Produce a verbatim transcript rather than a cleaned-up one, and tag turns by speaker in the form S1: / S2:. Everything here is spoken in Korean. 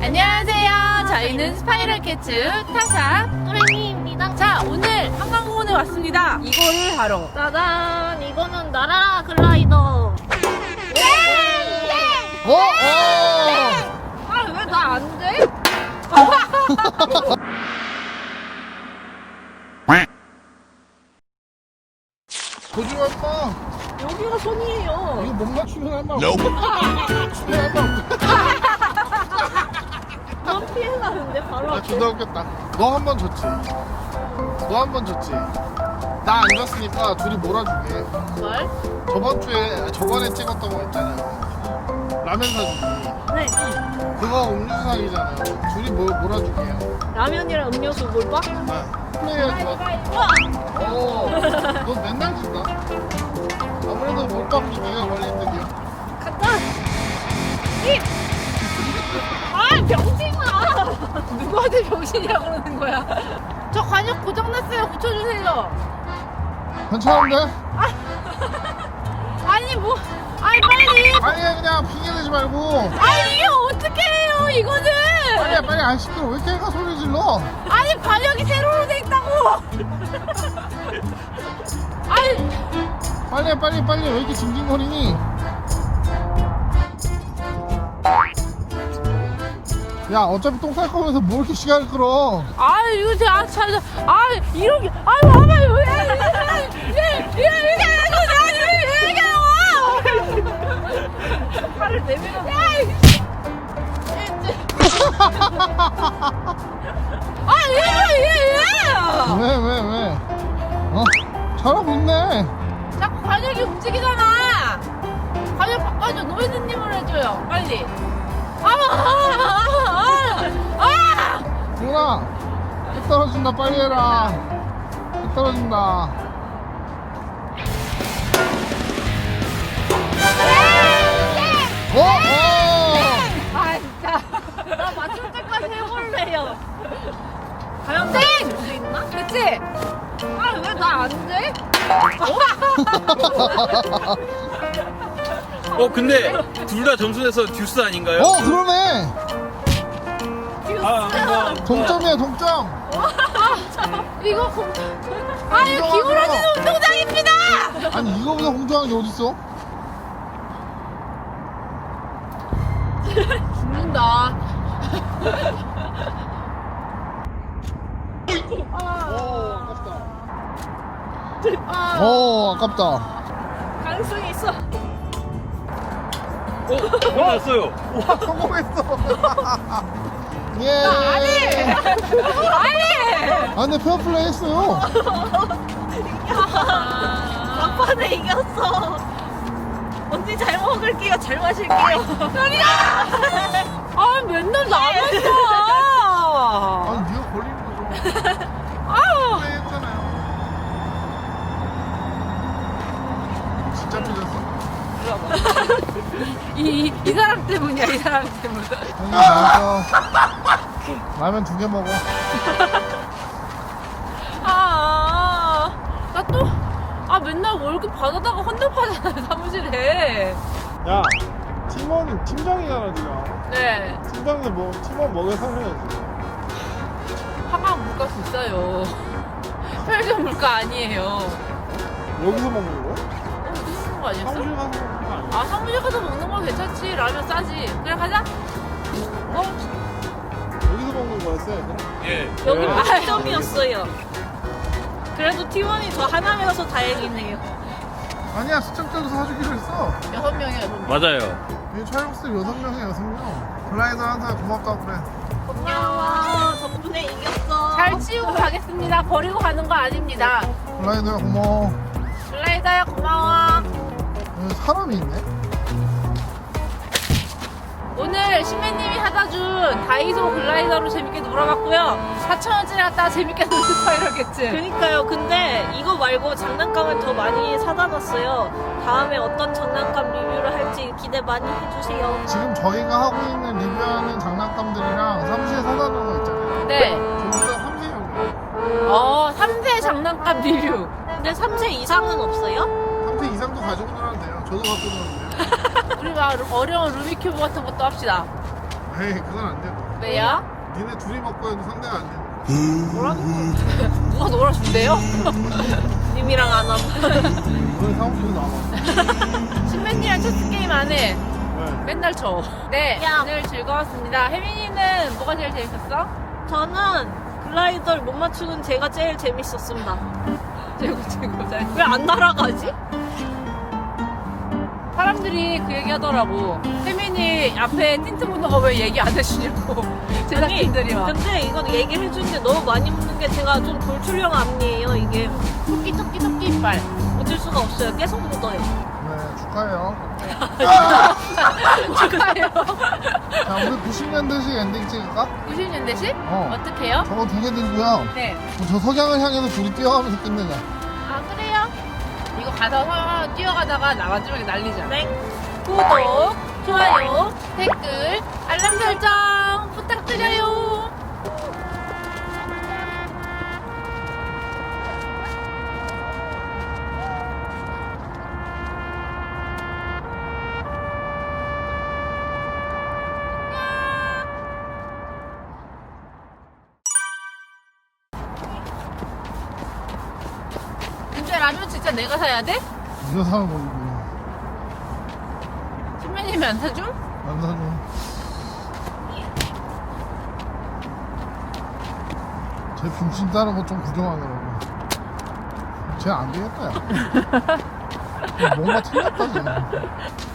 S1: 안녕하세요. 저희는 스파이럴 캐츠 타샤
S2: 또래미입니다.
S1: 자, 오늘 한강공원에 왔습니다. 이거를 하러.
S2: 짜잔, 이거는 나라라 글라이더.
S3: 어? 어!
S1: 아, 왜 나 안 돼?
S3: 거짓말 마.
S1: 여기가 손이에요.
S3: 이거 못 맞추면 할 말 없어. 맞추면 할 말 없어.
S2: 넌 피해가는데 바로
S3: 나
S2: 앞에.
S3: 존나 웃겼다. 너 한 번 졌지. 너 한 번 졌지. 나 안 졌으니까 둘이 몰아줄게.
S1: 뭘?
S3: 저번 주에 저번에 찍었던 거 있잖아요. 라면 사주기.
S2: 네.
S3: 그거 음료수 사기잖아요. 둘이 뭐 몰아줄게요.
S2: 라면이랑 음료수 몰빵?
S3: 아, 플레이해야지.
S2: 우와!
S3: 어, 너 맨날 진다. 아무래도 몰빵이 네가 걸린 듯이야.
S2: 간다! 입! 아, 병신아!
S1: 누구한테 병신이라고 그러는 거야? 저 관역 고장났어요. 고쳐주세요.
S3: 괜찮은데?
S1: 아니, 뭐. 아니, 빨리.
S3: 아니 그냥 핑계 대지 말고.
S1: 아니, 이게 어떻게 해요, 이거는.
S3: 빨리 빨리 안 시끄러. 왜 이렇게 애가 소리 질러?
S1: 아니, 관역이 세로로 돼 있다고. 아니.
S3: 빨리 빨리 빨리 왜 이렇게 징징거리니? 야 어차피 똥 쌀 거면서 뭐 이렇게 시간을 끌어?
S1: 아 이거 제가 참, 아 이렇게, 아 봐봐요 왜 이렇게 이렇게 하고 나를 왜 이렇게 나와? 팔을 내밀어. 아 이거
S3: 왜 왜 왜? 어? 잘하고 있네.
S1: 자꾸 관역이 움직이잖아. 관역 바꿔줘. 노예드님으로 해줘요 빨리. 아아아아
S3: 누나 해 떨어진다. 빨리 해라. 해 떨어진다. 어? 어?
S1: 아 진짜.
S2: 나 맞출 때까지 해볼래요. 과연
S1: 땡!
S2: 할수 있나?
S1: 그치? 아 왜 나 안 돼?
S4: 어 근데 둘 다 점수 내서 듀스 아닌가요?
S3: 어 그러네.
S4: 아, 아,
S3: 동점이야 동점.
S1: 이거 공... 아 이거
S3: 운동하세요.
S1: 기울어지는 운동장입니다.
S3: 아니 이거보다 공정한 게 어딨어?
S1: 죽는다.
S3: 오 아깝다.
S1: 아,
S3: 오 아깝다.
S2: 가능성이 있어.
S4: 어? 끝났어요.
S3: 와 성공했어. 예.
S1: 아니.
S3: 아 근데 페어플레이 했어요.
S1: 아,
S2: 막판에 이겼어. 언니 잘 먹을게요. 잘 마실게요.
S1: 아 맨날 나만 써.
S3: 아니 네가 걸리는 거죠.
S1: 아,
S3: 플레이 했잖아요. 진짜 삐졌어.
S1: 이, 이, 이 사람 때문이야 이 사람 때문.
S3: 형님 나와서 라면 두 개 먹어.
S1: 아, 나 또, 아 맨날 월급 받아다가 헌납하잖아요 사무실에.
S3: 야 팀원 팀장이잖아 네가.
S1: 네,
S3: 팀장인데 뭐 팀원 먹여 살려야지.
S1: 한강 물가 비싸요. 편의점 물가 아니에요.
S3: 여기서 먹는 거야?
S1: 어, 무슨 거 아니었어?
S3: 사무실 가서 먹는 거 아니야?
S1: 아 사무실 가서 먹는 건 괜찮지. 라면 싸지. 그래 가자. 어?
S3: 여기서 먹는 거였어 얘들아?
S4: 예.
S2: 여기
S1: 아,
S2: 만점이었어요. 그래도 팀원이 저 하나여서 다행이네요.
S3: 아니야 수첩자도 사주기로 했어.
S1: 여섯 명이야. 여섯 명.
S4: 맞아요.
S3: 이 촬영스들 여섯 명에 여섯 명. 글라이더 항상 고맙다고 그래.
S2: 고마워. 덕분에 이겼어.
S1: 잘 치우고 가겠습니다. 버리고 가는 거 아닙니다.
S3: 글라이더야 고마워.
S1: 글라이더야 고마워.
S3: 여기 사람이 있네.
S1: 오늘 신매님이 사다 준 다이소 글라이더로 재밌게 놀아봤고요. 사천 원짜리 갖다가 재밌게 노는 스파이럴겠지.
S2: 그니까요. 근데 이거 말고 장난감을 더 많이 사다 놨어요. 다음에 어떤 장난감 리뷰를 할지 기대 많이 해주세요.
S3: 지금 저희가 하고 있는 리뷰하는 장난감들이랑 사무실에 사다 놓은 거 있잖아요.
S1: 네.
S3: 저기가 삼 세용.
S1: 어, 삼 세 장난감 리뷰.
S2: 근데 삼 세 이상은 없어요?
S3: 삼 세 이상도 가지고 놀아도 돼요. 저도 갖고 놀았는데요.
S1: 우리 막 어려운 루비큐브 같은 것도 합시다.
S3: 에이 그건 안 돼.
S1: 왜요?
S3: 니네 둘이 먹고 해도 상대가 안 돼.
S1: 누가 놀아준대요?
S2: 님이랑 안 함.
S3: 너네 사무실에 나와.
S1: 신맨이랑 체스 게임 안 해.
S3: 왜?
S1: 맨날 쳐. 네,
S2: 야.
S1: 오늘 즐거웠습니다. 혜민이는 뭐가 제일 재밌었어?
S2: 저는 글라이더를 못 맞추는 제가 제일 재밌었습니다.
S1: 최고 최고 잘.
S2: 왜 안 날아가지?
S1: 사람들이 그 얘기 하더라고. 혜민이 앞에 틴트 묻는 거 왜 얘기 안 해주냐고. 제작진들이 막.
S2: 근데 이건 얘기를 해주는데 너무 많이 묻는 게 제가 좀 돌출형 앞니에요, 이게.
S1: 토끼 토끼 토끼 이빨.
S2: 어쩔 수가 없어요. 계속 묻어요.
S3: 네, 축하해요.
S1: 축하해요.
S3: 자, 우리 구십 년대식 엔딩 찍을까?
S1: 구십 년대식?
S3: 어.
S1: 어떡해요?
S3: 저거 두 개 들고요.
S1: 네.
S3: 저 석양을 향해서 둘이 뛰어가면서 끝내자.
S1: 아 그래요? 이거 가서 서- 뛰어가다가 나 마지막에 날리자.
S2: 네. 구독, 좋아요.
S1: 댓글, 알람 설정 부탁드려요. 근데 라면 진짜 내가 사야 돼?
S3: 이거 사는 거고.
S1: 신매님이 안 사줌?
S3: 안 사줘. 제 중심 따르고 좀 구경하느라고. 쟤 안 되겠다, 야. 뭔가 틀렸다, 쟤.